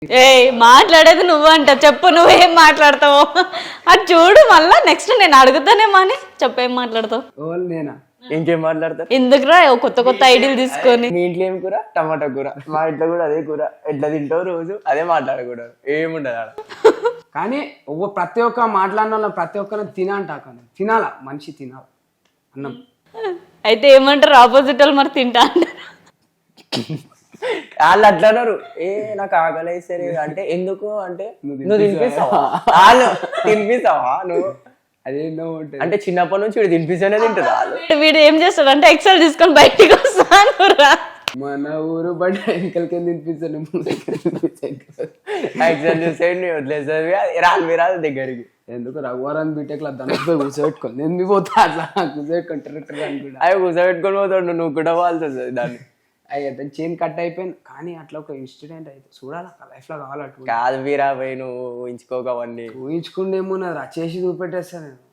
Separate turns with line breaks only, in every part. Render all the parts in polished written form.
మాట్లాడేది నువ్వంట, చెప్పు నువ్వేం మాట్లాడతావు అది చూడు. మళ్ళా నెక్స్ట్ నేను అడుగుతానేమో అని చెప్పేం మాట్లాడతావు.
నేనా?
ఇంకేం మాట్లాడతారు?
ఎందుకురా కొత్త కొత్త ఐడియాలు తీసుకొని.
మీ ఇంట్లో ఏం కూర? టమాటా కూర. మా ఇంట్లో కూడా అదే కూర. ఎట్లా తింటావు రోజు అదే మాట్లాడకూడదు, ఏముండదు ఆడ.
కానీ ప్రతి ఒక్క మాట్లాడిన వాళ్ళ ప్రతి ఒక్కరిని తినాలా, మనిషి తినాలి అన్నం.
అయితే ఏమంటారు ఆపోజిట్ వాళ్ళు? మరి తింటా అంటారు.
వాళ్ళు అట్లా అన్నారు, నాకు ఆకలి సరే అంటే ఎందుకు అంటే నువ్వు తినిపిస్తావా, వాళ్ళు తినిపిస్తావా నువ్వు
అదేంటో ఉంటుంది.
అంటే చిన్నప్పటి నుంచి వీడు తినిపిస్తేనే తింటారు వాళ్ళు.
వీడు ఏం చేస్తాడు అంటే ఎక్సెల్ తీసుకొని బయటికి వస్తాను.
మన ఊరు బట్ ఎంకలకి తినిపిస్తాను,
ఎగ్జామ్ చూసేయండి వదిలేసారు రాదు మీరు రాదు దగ్గరికి.
ఎందుకు రఘువరాన్ని బీటెక్ లో దానిపై కూర్చోబెట్టుకోండి, నేను పోతా అట్లా కూర్చోబెట్టుకుంటారు అనుకుంటా.
అవి కూర్చోబెట్టుకొని పోతాడు, నువ్వు కూడా వాళ్ళతో దాన్ని.
అయితే చైన్ కట్ అయిపోయింది. కానీ అట్లా ఒక ఇన్సిడెంట్ అయితే చూడాలి లైఫ్ లో కావాలట్టు.
కాదు వీరా పోయి నువ్వు ఊహించుకోక అవన్నీ.
ఊహించుకుండేమో నాది చేసి చూపెట్టేస్తాను నేను.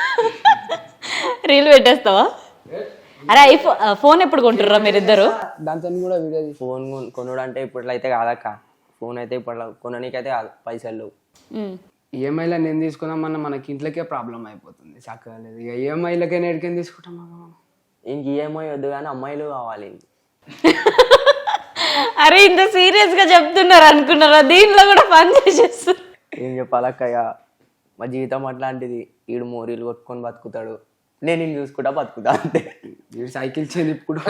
రీల్ పెట్టేస్తావా? అరే ఫోన్ ఎప్పుడు కొంటుర్రా మీరిద్దరు?
దాంతో కూడా వీడియో
ఫోన్ కొనుడు అంటే ఇప్పట్లో అయితే కాదక్క. ఫోన్ అయితే ఇప్పట్లో కొననీకైతే కాదు, పైసలు లేవు.
ఈఎంఐలో నేను తీసుకుందామన్నా మనకి ఇంట్లోకే ప్రాబ్లం అయిపోతుంది, చక్కగా లేదు. ఇక ఈఎంఐలకే నేడికేం తీసుకుంటాం మనం.
ఇంక ఈఎంఐ వద్దు కానీ అమ్మాయిలు కావాలి.
అరే ఇంత సీరియస్ గా చెప్తున్నారు అనుకున్నారా? దీంట్లో కూడా పని చేసేస్తారు.
ఏం చెప్పాలక్కయ్య, మా జీవితం అట్లాంటిది. ఈడు మోరీలు కొట్టుకొని బతుకుతాడు, నేను నేను చూసుకుంటా బతుకుతా అంతే.
వీడు సైకిల్ చైన్ ఇప్పుడు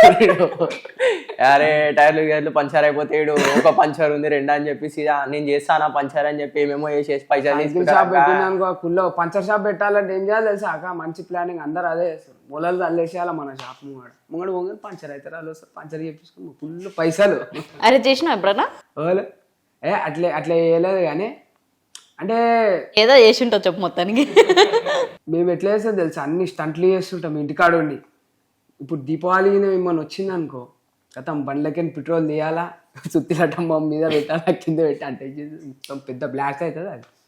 అరే టైర్లు గేర్లు పంచర్ అయిపోతే వీడు ఒక పంచర్ ఉంది రెండు అని చెప్పేసి నేను చేస్తానా పంచర్ అని చెప్పి ఏమేమో చేసేసి పైసలు
షాప్ పెట్టినానుకో, కుల్లో పంచర్ షాప్ పెట్టాలంటే ఏం చేయాలి తెలుసా అక్క? మంచి ప్లానింగ్, అందరు అదే చేస్తారు. మూలలు అల్లేసేయాలి మన షాప్ ముంగడు పంచర్ అవుతారు, వాళ్ళు వస్తారు పంచర్ చేపించుకుని ఫుల్ పైసలు.
అరే చేసినా ఎప్పుడన్నా?
అట్లా వేయలేదు కానీ అంటే
ఏదో చేసి ఉంటావు చెప్పు మొత్తానికి.
మేము ఎట్లా చేస్తాం తెలుసా, అన్ని స్టంట్లు చేస్తుంటాం ఇంటికాడ ఉండి. ఇప్పుడు దీపావళి మిమ్మల్ని వచ్చింది అనుకో, గతం బండ్లకి పెట్రోల్ తీయాలా, సుత్తిలటం మీద పెట్టాలా, కింద పెట్టి అంటే మొత్తం పెద్ద బ్లాక్ అవుతుంది అది.